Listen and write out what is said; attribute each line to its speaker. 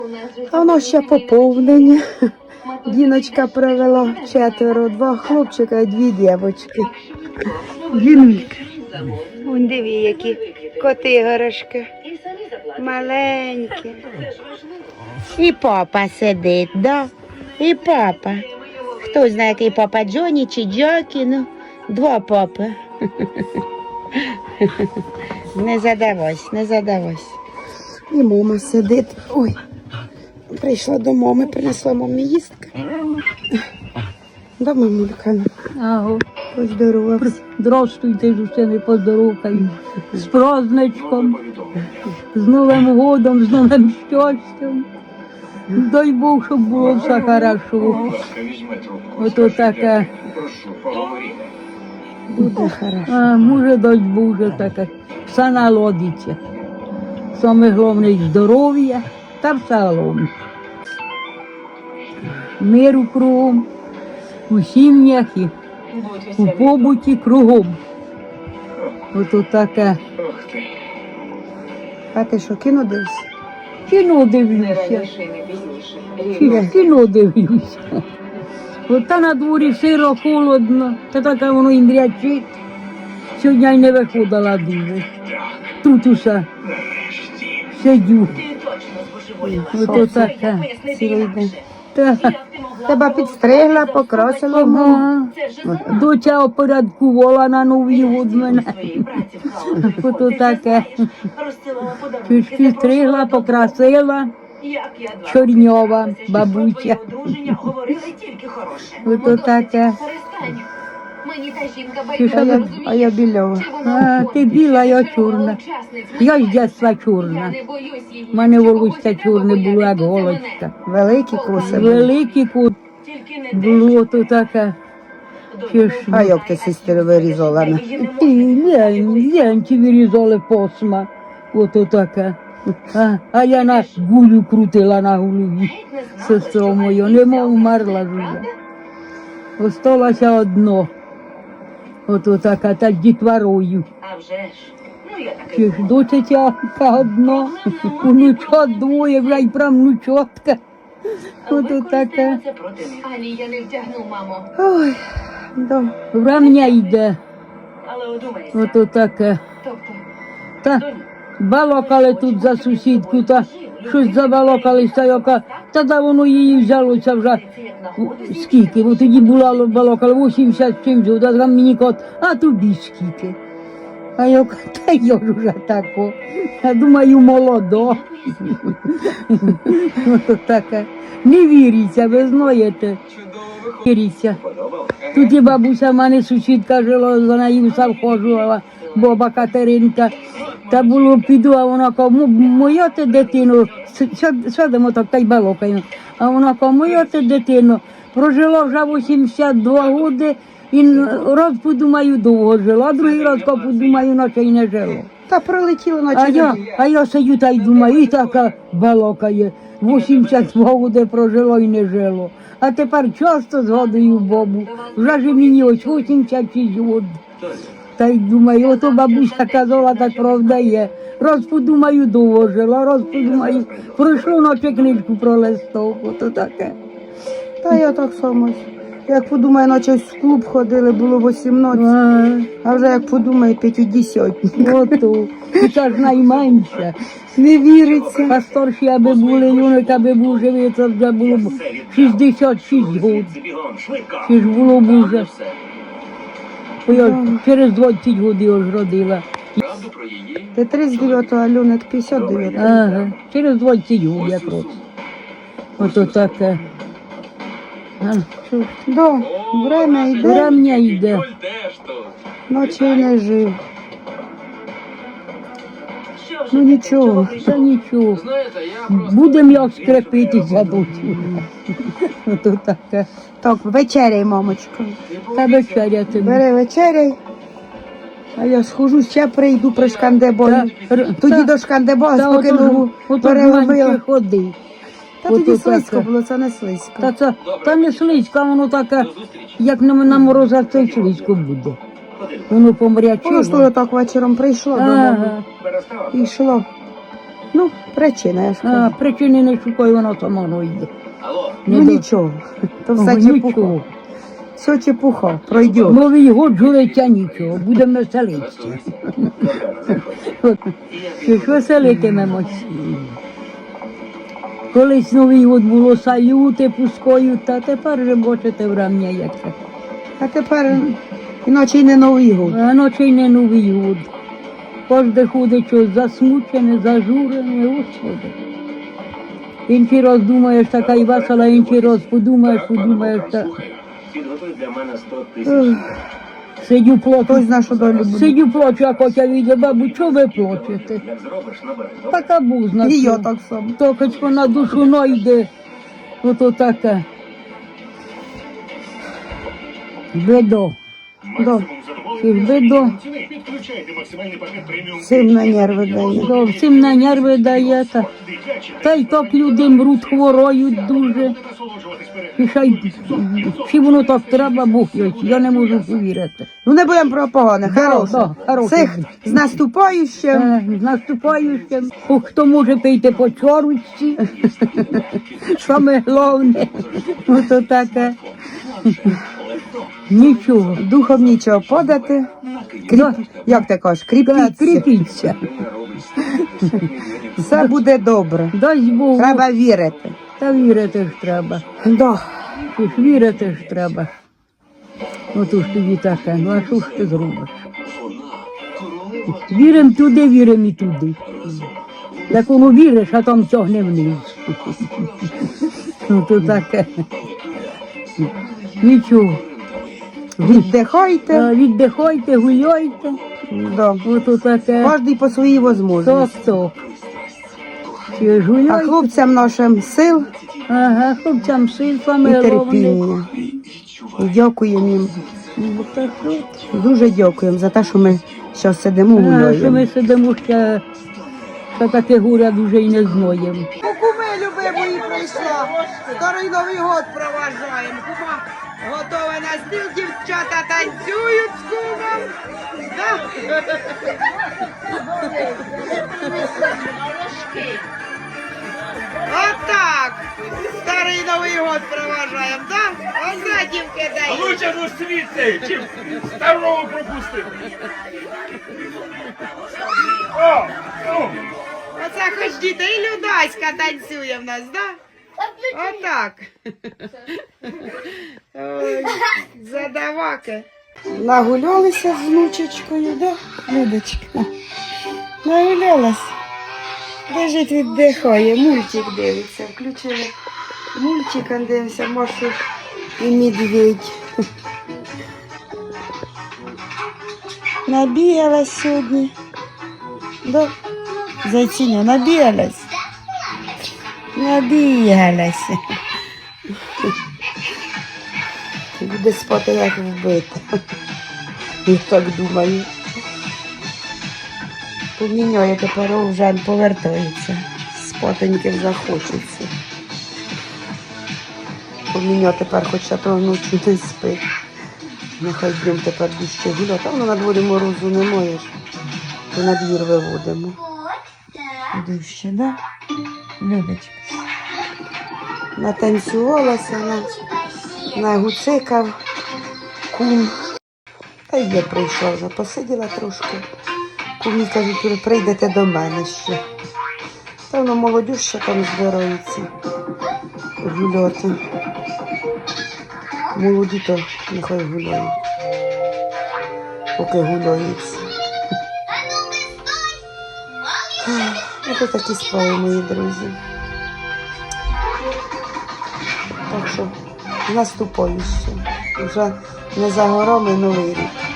Speaker 1: А воно ще поповнення. Діночка привела 4, 2 хлопчика і 2 дівчинки. Дінулька. Вон диви, які коти-горошки. Маленькі. І папа сидить, да? І папа. Хто знає, який папа, Джоні чи Джокі, ну, 2 папи. Не задавайся, не задавайся. І мама сидить. Ой, прийшла до мами, принесла мамі їстки. Да, мамулька?
Speaker 2: Ага.
Speaker 1: Поздоровався.
Speaker 2: Здравствуйте, Жусини, поздоровкаю. З праздничком, з Новим годом, з новим щастям. Дай Бог, щоб було все хорошо. Ото таке.
Speaker 1: Буде хорошо.
Speaker 2: А може, дай Боже, таке. Все наладиться. Саме головне здоров'я та все головне. Миру кругом, у сім'ях і у побуті кругом. Ото таке.
Speaker 1: А ти що, кіно дивишся?
Speaker 2: Кіно дивлюся. Кіно дивлюся. От та на дворі сиро, холодно, та таке воно і мрячить. Сьогодні й не виходила дуже. Тут усе сидю. Ото таке.
Speaker 1: Цілий день.
Speaker 2: Та,
Speaker 1: Тебе підстригла, покрасила мама.
Speaker 2: ага. Доча опорядкувала на Новий год мене. Ото таке. Чуть стригла, покрасила. Чорньова бабуся. Ото таке.
Speaker 1: А я більова.
Speaker 2: А, ти біла, я чорна. Я з дитинства чорна. У мене волосся чорне було, як голочка.
Speaker 1: Великі коси були.
Speaker 2: Великі кут було то таке.
Speaker 1: А як ти сестру вирізала?
Speaker 2: Ленці вирізали посма. Ото таке. А я на гулю крутила на голові. Сестро моя, нема вмерла вже. Осталося одно. Ото така, та дітворою. Чи ж дочечка одна, внучат 2, вже й правнучатка. Ото таке.
Speaker 3: Алія не втягну, мамо.
Speaker 1: Ой, да.
Speaker 2: Врамня йде.
Speaker 3: Але одумайся.
Speaker 2: Ото таке.
Speaker 3: Тобто,
Speaker 2: Та балакали тут за сусідку, та щось забалакалися, яка, та да воно її взялося вже. Скільки? Бо тоді була балакала 80 чимсь, а там мені кот, а тобі скільки? А я кажу, та я ж уже тако. Я думаю, молодо. Ото таке. Не віриться, ви знаєте. Віриться. Тут і бабуся в мене сусідка жила, за нею совхозувала, баба Катеринка. Та було піду, а вона каже, моя ти дитино, сядемо так та й балакаємо. А вона каже, моя ти дитино, прожила вже 82 роки, і раз подумаю, довго жила, а другий раз подумаю, наче й не жило.
Speaker 1: Та пролетіло наче.
Speaker 2: А я сидю та й думаю, і така балакає, 82 роки прожила і не жило. А тепер часто згадую бабу, вже ж мені ось 86 років. Та й думаю, ото бабуся казала, так правда є. Раз подумаю, довго жила, раз подумаю, пройшло, наче книжку пролистав, ото таке.
Speaker 1: Та я так само. Як подумаю, наче в клуб ходили, було 18, а вже як подумаю, 50.
Speaker 2: Ото, і це ж найменше.
Speaker 1: Не віриться.
Speaker 2: А старші, аби були, юнак, аби був живий, це вже було б 66 років. Чи ж було б уже. Бо я через 20 років я ж родила.
Speaker 1: Ти 39-го, а Люник 59-го.
Speaker 2: Ага, через 20 років якраз. Ото таке.
Speaker 1: Да, время йде,
Speaker 2: Врем'я йде.
Speaker 1: ночі не жив. Ну нічого.
Speaker 2: Та нічого. Будемо як скрепитися будемо. Ото таке.
Speaker 1: Так, вечеряй, мамочка.
Speaker 2: Та вечеря тобі.
Speaker 1: Бери вечеряй. А я схожу, ще прийду при шкандебою. Тоді
Speaker 2: Та-
Speaker 1: до шкандебою,
Speaker 2: Та
Speaker 1: поки
Speaker 2: ото
Speaker 1: ногу
Speaker 2: менше
Speaker 1: переробила.
Speaker 2: ходи.
Speaker 1: Та тоді
Speaker 2: ото
Speaker 1: слизько
Speaker 2: таке.
Speaker 1: було, це не слизько.
Speaker 2: Та не слизько, воно таке, як на морозах, це й слизько буде. Воно
Speaker 1: Воно ж
Speaker 2: помрячило.
Speaker 1: так вечором прийшло додому.
Speaker 2: Ага.
Speaker 1: І йшло. Ну, причина, я ж
Speaker 2: А
Speaker 1: кажу.
Speaker 2: причини не шукаю, воно само йде.
Speaker 1: Ну
Speaker 2: Не до-
Speaker 1: нічого, то
Speaker 2: Ого,
Speaker 1: все чепуха.
Speaker 2: нічого.
Speaker 1: Все чепуха, пройде.
Speaker 2: Новий год жулиця нічого, будемо веселитися. Що ж веселитимемось. Колись Новий год було салюти пускають, та тепер вже бачите врем'я яке.
Speaker 1: А тепер іначе й не Новий год.
Speaker 2: А ночі й не Новий год. Кожде ходить щось засмучене, зажурене, Господи. Інший раз думаєш, така й весела, інший раз подумаєш, та
Speaker 4: Підготуй для мене 100 тисяч.
Speaker 2: сидю
Speaker 1: Хтось
Speaker 2: плачу.
Speaker 1: знає, що долю буде.
Speaker 2: Сидю плачу, а Котя віде, бабу, чого ви плачете?
Speaker 4: Як зробиш, набери. Добре?
Speaker 2: Така бузна.
Speaker 1: І я так само.
Speaker 2: Токочко на душу найде. Ото таке. Бедо.
Speaker 1: Да.
Speaker 2: Чи ж бедо?
Speaker 5: Підключайте максимальний пакет преміум.
Speaker 1: Всім на нерви дає.
Speaker 2: Зовсім на нерви дає. Та й так люди мруть, хвороють дуже.
Speaker 5: Насолоджуватись перед.
Speaker 2: І ще й чи воно так треба, Бог його, я не можу повірити.
Speaker 1: Ну не будемо про погане,
Speaker 2: Да,
Speaker 1: хороше.
Speaker 2: хороше.
Speaker 1: Всіх з наступаючим.
Speaker 2: З наступаючим. Хто може пийти по чорочці. Саме головне. Ото таке. Нічого.
Speaker 1: Духом нічого подати.
Speaker 2: Да.
Speaker 1: Як ти кажеш,
Speaker 2: Да,
Speaker 1: кріпіться.
Speaker 2: кріпіться.
Speaker 1: Все буде добре.
Speaker 2: Дасть Бог.
Speaker 1: Треба вірити.
Speaker 2: Та вірити ж треба.
Speaker 1: Да.
Speaker 2: Чи ж вірити ж треба. Ото ж тобі таке, ну а що ж ти зробиш? Вірим туди, вірим і туди. Як воно віриш, а там тягне вниз. Ну то таке. Нічого.
Speaker 1: Віддихайте.
Speaker 2: Віддихайте, гуляйте.
Speaker 1: Да.
Speaker 2: Ото таке.
Speaker 1: Кожний по своїй можливості.
Speaker 2: Так. Чи ж
Speaker 1: А
Speaker 2: гуляйте?
Speaker 1: хлопцям нашим сил
Speaker 2: Ага, хлопцям сил
Speaker 1: і
Speaker 2: саме головне.
Speaker 1: терпіння. І дякуємо їм.
Speaker 2: Ну, так от.
Speaker 1: Дуже дякуємо за те, що ми зараз сидимо
Speaker 2: Що
Speaker 1: гуляємо.
Speaker 2: ми сидимо ще таке горя дуже й не знаємо.
Speaker 1: Куми любимої прийшла. Старий Новий год проважаємо. Кума готова на стіл, дівчата танцюють з кумом. Отак. Старий Новий год проважаємо, так? Оце дівки дають.
Speaker 5: Лучше ну світи, чим старого пропустити. О! О!
Speaker 1: Оце хоч діти і Людаська танцює в нас, так? Отак. Ой, задаваки. Нагулялися з внучечкою, да, Людочка? Нагулялась. Лежить, віддихає, мультик дивиться. Включили мультик, а дивимося, Машу і медведь. Набігалась сьогодні. Да? Зайціня, набігалась. Набігалась. Буде спати як вбита. Я так думаю. Поміняє тепер вже повертається. Спатоньки захочеться. Поміняє тепер хоча то вночі не спить. Нехай будемо тепер дужче гуляти. А воно на дворі морозу немає ж. То на двір виводимо. Дужче, да? Людочка. Натанцювалася, нагуцикав кум. Та й я прийшла вже, посиділа трошки. Кумі кажуть, прийдете до мене ще. Та воно молодь ще там збирається гуляти. Молоді то нехай гуляють. Поки гуляються. Ось такі справи, мої друзі. Так що наступаючи. Вже не за горами Новий рік.